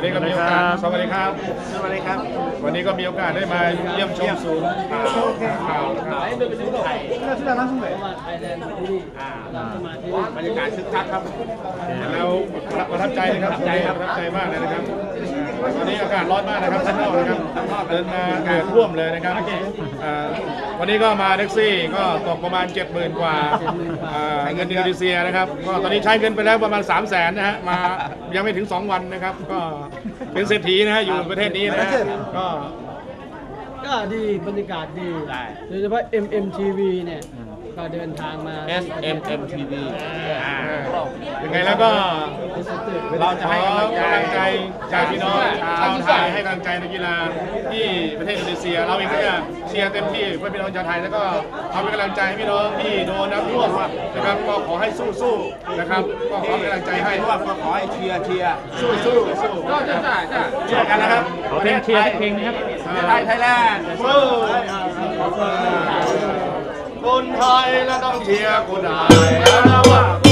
วันนี้ก็มีโอกาสสวัสดีครับสวัสดีครับวันนี้ก็มีโอกาสได้มาเยี่ยมชมศูนย์ข่าวนะครับบรรยากาศคึกคักครับแล้วประทับใจเลยครับประทับใจมากเลยนะครับวันนี้อากาศร้อนมากนะครับข้างนอกนะครับเดินมาอากาศท่วมเลยนะครับวันนี้ก็มาแท็กซี่ก็ตกประมาณ 70,000 กว่าเงินอินโดนีเซียนะครับก็ตอนนี้ใช้เงินไปแล้วประมาณ 300,000 นะฮะมายังไม่ถึง2 วันนะครับก็เป็นเศรษฐีนะฮะอยู่ประเทศนี้นะก็ดีบรรยากาศดีโดยเฉพาะ MMTV เนี่ยก็เดินทางมา SMMTV ยังไงแล้วก็เราจะให้กำลังใจจากพี่น้องชาวไทยให้กำลังใจนักกีฬาที่ประเทศอินโดนีเซียเราเองก็จะเชียร์เต็มที่เพื่อพี่น้องชาวไทยแล้วก็ทำเป็นกำลังใจให้พี่น้องที่โดนน้ำท่วมนะครับก็ขอให้สู้ๆนะครับก็ขอเป็นกำลังใจให้ก็ขอให้เชียร์สู้ก็จะเชียร์กันนะครับขอเพลงเชียร์เพลงนะครับไทยแลนด์คนไทยแล้วต้องเชียร์คนไทยแล้วว่า